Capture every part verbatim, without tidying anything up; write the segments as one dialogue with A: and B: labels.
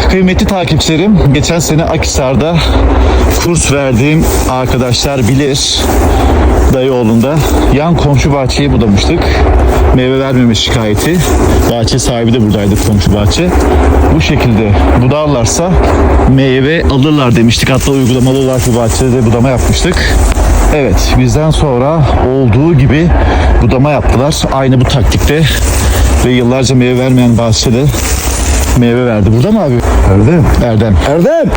A: Kıymetli takipçilerim, geçen sene Akhisar'da kurs verdiğim arkadaşlar bilir. Dayıoğlu'nda yan komşu bahçeyi budamıştık. Meyve vermeme şikayeti. Bahçe sahibi de buradaydı, komşu bahçe. Bu şekilde budarlarsa meyve alırlar demiştik. Hatta uygulamalı olarak bu bahçede budama yapmıştık. Evet, bizden sonra olduğu gibi budama yaptılar. Aynı bu taktikte ve yıllarca meyve vermeyen bahçede meyve verdi. Burada mı abi?
B: Erdem.
A: Erdem.
B: Erdem.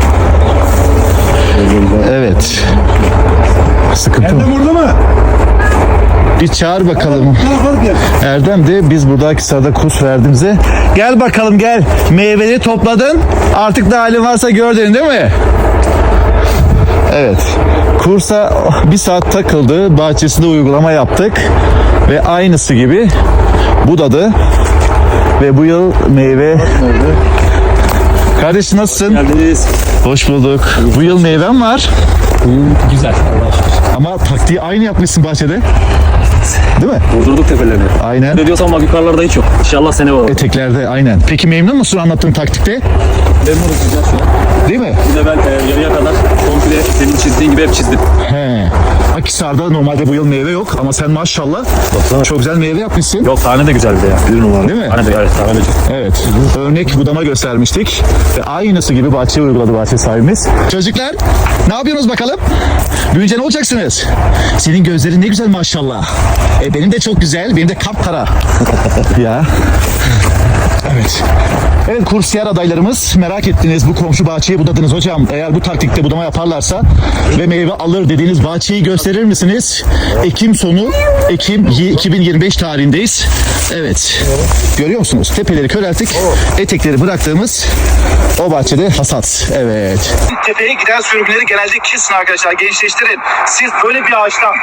A: Evet. Sıkıntı mı?
B: Erdem orada mı?
A: Bir çağır bakalım.
B: Kalk gel.
A: Erdem de biz burada Akhisar'da kurs verdiğimize. Gel bakalım gel. Meyveleri topladın. Artık ne halin varsa gördün değil mi? Evet. Kursa bir saat takıldı. Bahçesinde uygulama yaptık. Ve aynısı gibi budadı. Ve bu yıl meyve... Kardeş nasılsın?
C: Geldiniz.
A: Hoş bulduk. Bu yıl meyvem var.
C: Güzel.
A: Ama taktiği aynı yapmışsın bahçede. Değil mi?
C: Vurdurduk tepelerini.
A: Aynen.
C: Ne diyorsan bak yukarılarda hiç yok. İnşallah sene var.
A: Eteklerde aynen. Peki memnun musun anlattığın taktikte?
C: Memnunum güzel şu an.
A: Değil mi?
C: Bir de ben e, yarıya kadar komple senin çizdiğin gibi hep çizdim.
A: He. Akhisar'da normalde bu yıl meyve yok ama sen maşallah çok güzel meyve yapmışsın.
C: Yok tane de güzel bir de ya. Bir numara.
A: Değil mi?
C: Tane de evet tane de güzel.
A: Evet. Örnek budama göstermiştik. Ve aynısı gibi bahçeye uyguladı bahçe sahibimiz. Çocuklar ne yapıyorsunuz bakalım? Büyüyünce ne olacaksınız? Senin gözlerin ne güzel maşallah. E benim de çok güzel. Benim de kapkara. Ya. Evet. Evet kursiyer adaylarımız merak ettiniz bu komşu bahçeyi budadınız hocam. Eğer bu taktikte budama yaparlarsa ve meyve alır dediğiniz bahçeyi gösterir misiniz? Ekim sonu Ekim iki bin yirmi beş tarihindeyiz. Evet. Görüyor musunuz? Tepeleri körelttik. Etekleri bıraktığımız o bahçede hasat. Evet. Tepeye giden sürümleri genelde kesin arkadaşlar. Gençleştirin. Siz böyle bir ağaçtan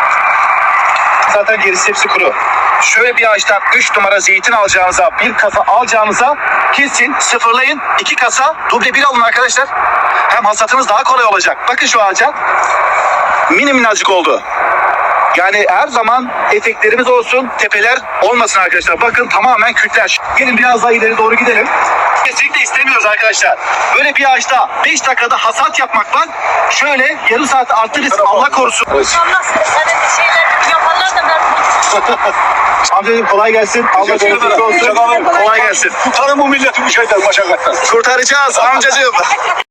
A: zaten gerisi hepsi kuru. Şöyle bir ağaçtan üç numara zeytin alacağınıza, bir kasa alacağınıza kesin sıfırlayın. iki kasa duble bir alın arkadaşlar. Hem hasatınız daha kolay olacak. Bakın şu ağaca. Mini minnacık oldu. Yani her zaman eteklerimiz olsun, tepeler olmasın arkadaşlar. Bakın tamamen kütler. Gelin biraz daha ileri doğru gidelim. Kesinlikle istemiyoruz arkadaşlar. Böyle bir ağaçta beş dakikada hasat yapmak var. Şöyle yarım saat arttırırız. Allah korusun.
D: Allah senin bir şeyler yaparlar da ben
A: Amcacığım kolay gelsin. Allah korusun olsun. Kolay gelsin.
B: Kurtarın bu milleti bu şeyden, başakattan.
A: Kurtaracağız amcacığım.